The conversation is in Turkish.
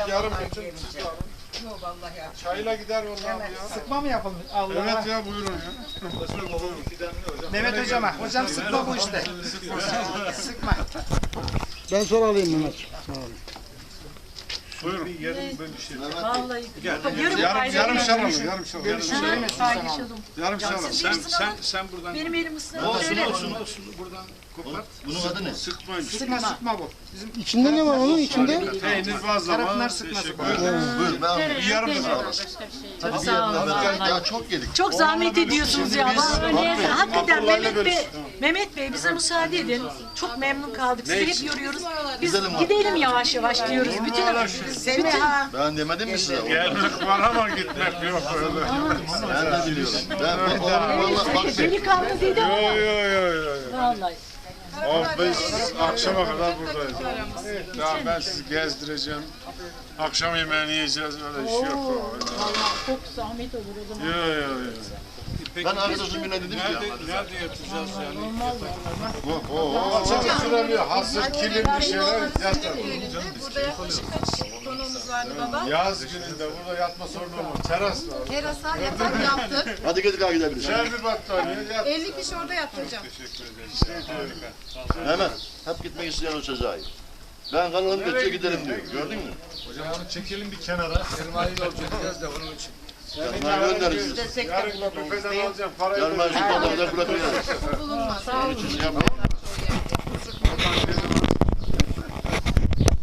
yarım bütün siz de alın. Yok vallahi ya. Çayla gider vallahi ya. Sıkma mı yapalım? Allah Evet ya buyurun ya. Mehmet hocama. Hocam sıkma bu işte. Sıkma. Ben sonra alayım Mehmet. Buyurun. Vallahi. Yarım şal alın. Yarım şal. Paylaşalım. Yarım şal alın. Sen buradan Benim elim ıslanıyor. Şöyle. olsun buradan kopart. Bunun adı ne? Sıkmayın. Sıkma bu. İçinde ne var onun içinde? Peynir bazlama. Karapınar sıkması. Buyur ben alayım. Bir yarım şal. Hadi bir yandan ya çok yedik. Çok zahmet ediyorsunuz ya. Vallahi hakikaten Mehmet Bey bize müsaade edin. Çok memnun kaldık. Sizi hep yoruyoruz. Biz gidelim yavaş yavaş diyoruz. Bütün Ben demedim mi size? Gelmek var ama gitmek yok öyle. Ben de biliyorum. Ben vallahi bak delikanlı dedi ama. Yo. Vallahi. Biz akşama kadar buradayız. Ya ben sizi gezdireceğim. Akşam yemeğini yiyeceğiz öyle iş yok. Vallahi çok zahmet olur o zaman. Yo. ben arkadaşım birine dedim ki ya. Nerede yatacağız yani? Süremiyor. Hazır kilim bir şeyler yatar. Burada yaklaşık kaç konuğumuz vardı baba? Yaz gününde burada yatma sorunu var. Teras var. Terasa yatak yaptık. Hadi gidip gidebiliriz. Şer bir battaniye yat. 50 kişi orada yattı hocam. Hemen. Hep gitmek isteyen o Sezai. Ben kalalım götüre gidelim diyor. Gördün mü? Hocam onu çekelim bir kenara. Sermaye yolcu edeceğiz de onun için. Yarın göndeririz. Yarın bir pedal alacağım. Parayı Yarın ben şu kadar bırakıyorum. Bulunmaz. Onun için yapmayın.